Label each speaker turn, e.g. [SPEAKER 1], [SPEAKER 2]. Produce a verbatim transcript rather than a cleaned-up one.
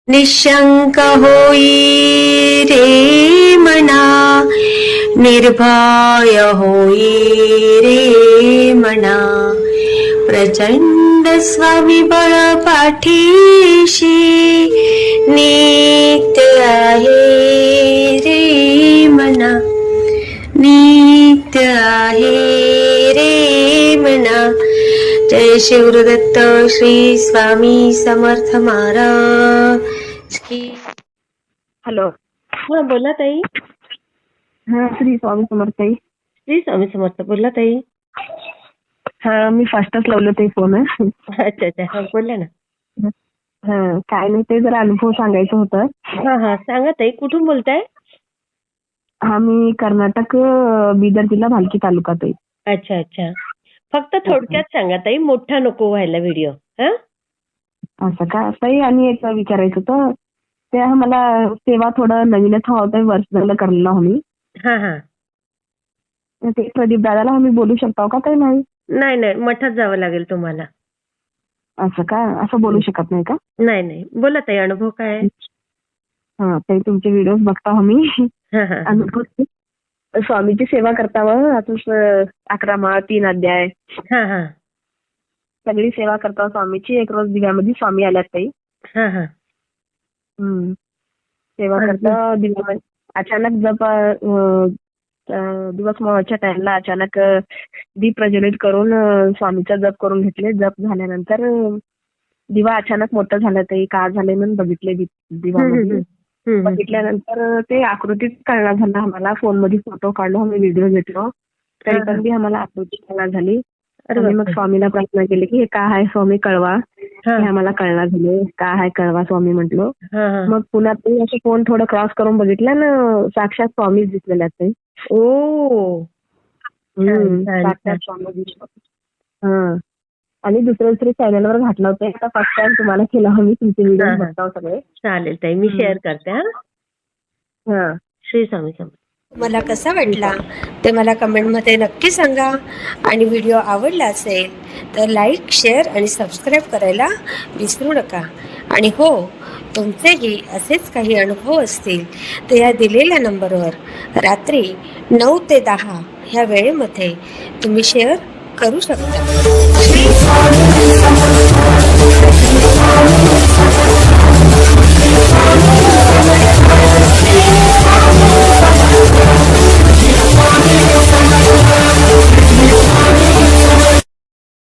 [SPEAKER 1] निशंक होई रे मना, निर्भय होई रे मना, प्रचंड स्वविबळ पाठीशी नित्य आहे रे मना, नित्य आहे रे मना. जय शिवदत्त श्री स्वामी समर्थ महाराज की.
[SPEAKER 2] हॅलो.
[SPEAKER 1] हा बोला ताई.
[SPEAKER 2] हा श्री स्वामी समर्थ ताई.
[SPEAKER 1] श्री स्वामी समर्थ. बोला ताई.
[SPEAKER 2] हा मी फास्टच लावलं ते फोन.
[SPEAKER 1] अच्छा अच्छा. हा बोला ना.
[SPEAKER 2] हा काय नाही, ते जरा अनुभव सांगायचं होतं.
[SPEAKER 1] हा हा सांगा ताई. कुठून बोलताय?
[SPEAKER 2] हा मी कर्नाटक, बिदर जिल्हा, भालकी तालुका ताई.
[SPEAKER 1] अच्छा अच्छा. फक्त थोडक्यात सांगा ताई, मोठा नको व्हायला व्हिडिओ. हा
[SPEAKER 2] असं का ताई? आणि एक विचारायचं होतं, ते मला सेवा थोडं नवीनच हवं होतं, वर्ष झालं करलेलं आम्ही.
[SPEAKER 1] हा हा.
[SPEAKER 2] ते प्रदीप दादाला आम्ही बोलू शकतो का ताई? नाही
[SPEAKER 1] नाही नाही, मठात जावं लागेल तुम्हाला.
[SPEAKER 2] असं का? असं बोलू शकत नाही का?
[SPEAKER 1] नाही नाही, बोला ताई. अनुभव काय आहे?
[SPEAKER 2] हा ताई, तुमचे व्हिडिओ बघता आम्ही.
[SPEAKER 1] हा हा.
[SPEAKER 2] अनुभव स्वामीची सेवा करता मग आता अकरा माळ, तीन अध्याय,
[SPEAKER 1] हा हा.
[SPEAKER 2] सगळी सेवा करता स्वामीची. एक रोज दिव्यामध्ये स्वामी आल्यात ताई.
[SPEAKER 1] हा हा.
[SPEAKER 2] हम्म. सेवा करता दिव्यामध्ये अचानक जप अं, अं, दिवस मोहाच्या टाइमला अचानक अं, दीप प्रज्वलित करून अं, स्वामीचा जप करून घेतले. जप झाल्यानंतर अं, दिवा अचानक मोठा झाला ताई. का झाले म्हणून बघितले दिवामध्ये. बघितल्यानंतर ते आकृतीत कळणार झालं आम्हाला. फोन मध्ये फोटो काढलो, आम्ही व्हिडिओ घेतलो, तरी पण बी आम्हाला आकृती कळणार झाली. आणि मग स्वामीला प्रार्थना केली की हे काय आहे स्वामी कळवा, हे आम्हाला कळणार झाले. काय आहे कळवा स्वामी म्हटलो. मग पुन्हा ते असं फोन थोडं क्रॉस करून बघितलं ना, साक्षात स्वामीच दिसलेले आहेत ताई.
[SPEAKER 1] ओ.
[SPEAKER 2] साक्षात स्वामी दिसलो. हा. आणि दुसऱ्या दुसऱ्या चॅनलवर घातलं होतं. आता फर्स्ट टाइम तुम्हाला केला आम्ही. तुमचे व्हिडिओ बघता सगळे.
[SPEAKER 1] चालेल ताई, मी शेअर करते. हा. श्री स्वामी समर्थ. मला कसा वाटला ते मला कमेंटमध्ये नक्की सांगा. आणि व्हिडिओ आवडला असेल तर लाईक, शेअर आणि सबस्क्राईब करायला विसरू नका. आणि हो, तुमचेही असेच काही अनुभव असतील तर या दिलेल्या नंबरवर रात्री नऊ ते दहा ह्या वेळेमध्ये तुम्ही शेअर करू शकता.